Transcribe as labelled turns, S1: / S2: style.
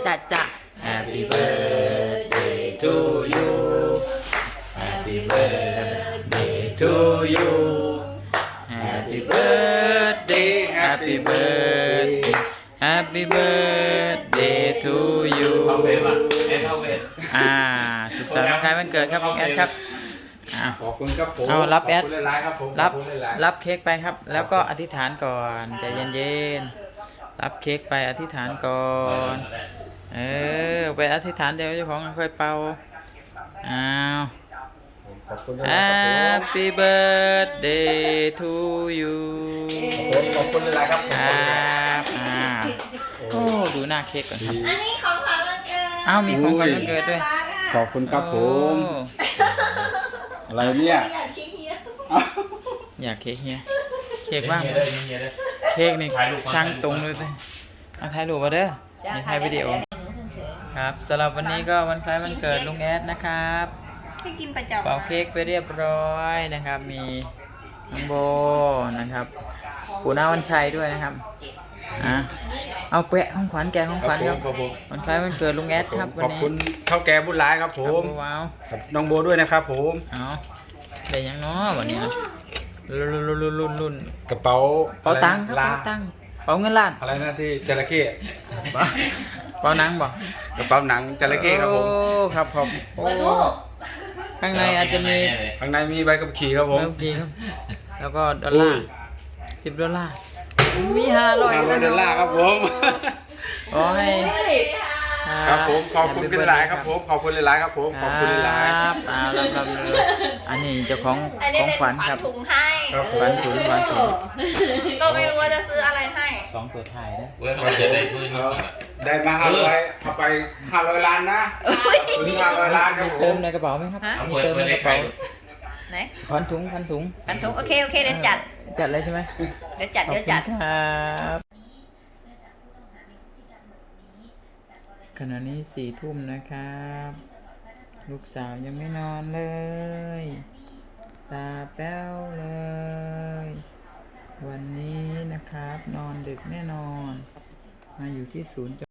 S1: จะ Happy birthday to you Happy birthday to you Happy birthday Happy birthday Happy birthday to you
S2: เข้าเวฟอ่ะเข้าเวฟ
S1: สุขสันต์วันคล้ายวันเกิดครับคุณแอดครับ
S3: ขอบคุณครับผม
S1: เอารับแอด
S3: ขอบคุณหลายๆครับผม
S1: รับเค้กไปครับแล้วก็อธิษฐานก่อนใจเย็นๆรับเค้กไปอธิษฐานก่อนไปอธิษฐานเดี๋ยวเจ้าของค่อยเป่า
S3: ขอบคุณหลายๆครับผม
S1: Happy birthday to you
S3: ขอบคุณหลายๆครับ
S1: ครับโอ้ดูหน้าเค้กก่อนครับ
S4: อันนี้ของขวัญวันเกิด
S1: มีของขวัญวันเกิดด้วย
S3: ขอบคุณครับผม
S1: โอ้
S3: อะไรเนี่ย
S4: อยากคิดเฮีย
S1: อยากเค้กเฮียเค้กว่าง
S2: เฮียเลยเฮียเลย
S1: เค้กนี่
S2: ถ่ายรูปก่อน
S1: สร้างตรงเลยสิถ่ายรูปมาเด้อมีถ่ายวิดีโอครับสำหรับวันนี้ก็วันคล้ายวันเกิดลุงแอดนะครับ
S4: ให้กินประจำ
S1: เป่าเค้กไปเรียบร้อยนะครับมีน้องโบนะครับปู่น้าวันชัยด้วยนะครับเอาแปะของขวัญแกของขวัญครับ
S3: ครับผม
S1: วันคล้ายวันเกิดลุงแอดครับวัน
S3: ขอบ
S1: นี้
S3: คุณเท่าแก่บุญหลายครับผ
S1: ครับ
S3: ม
S1: ว้าว
S3: กับน้องโบด้วยนะครับผม
S1: เอาได้ยังเนาะวันนี้เนาะรุ่น
S3: กระเป๋า
S1: เป๋าตังค์ครับ
S3: ลา
S1: เป๋าตังค์เป๋าเงินล้าน
S3: อะไรนะที่จระเข้
S1: เป๋าหนังบอก
S3: กระเป๋าหนังจระเข้ครับผม
S1: โอ้ครับผมโอ้ข้างในอาจจะมี
S3: ข้างในมีใบขับขี่ครับผม
S1: เมื่อกี้ครับแล้วก็ดอลลาร์$10มี500
S3: $500ครับผม
S1: ขอให้
S3: ครับผมขอบคุณหลายๆครับผมขอบคุณหลายๆครับผมขอบคุณหลาย
S1: ครับรับอันนี้เจ้าของ
S4: อันนี้
S1: ของ
S4: เป็น
S1: ขวัญครับ
S4: ถุงให้
S3: ครับ
S1: ขวัญถุงขวัญถุง
S4: ก็ไม่รู้ว่าจะซื้ออะไรให้
S1: 2ตัวถ่ายนะ
S2: เว้ยมันจะได้พื้น
S3: ได้มา500เอาไป500 ล้านนะถึง500 ล้านครับผ
S1: เติม
S3: ม
S1: ในกระเป๋าไหมครับ
S4: ฮะ
S1: มีเติมในกระเป๋า
S4: ไหน
S1: ขวัญถุง
S4: กันถุงโอเคเดี๋ยวจัด
S1: จัดเลยใช่ไหม
S4: เดี๋ยวจัด
S1: ขอบคุณครับขณะนี้4 ทุ่มนะครับ ลูกสาวยังไม่นอนเลย ตาแป้วเลย วันนี้นะครับนอนดึกแน่นอน มาอยู่ที่ศูนย์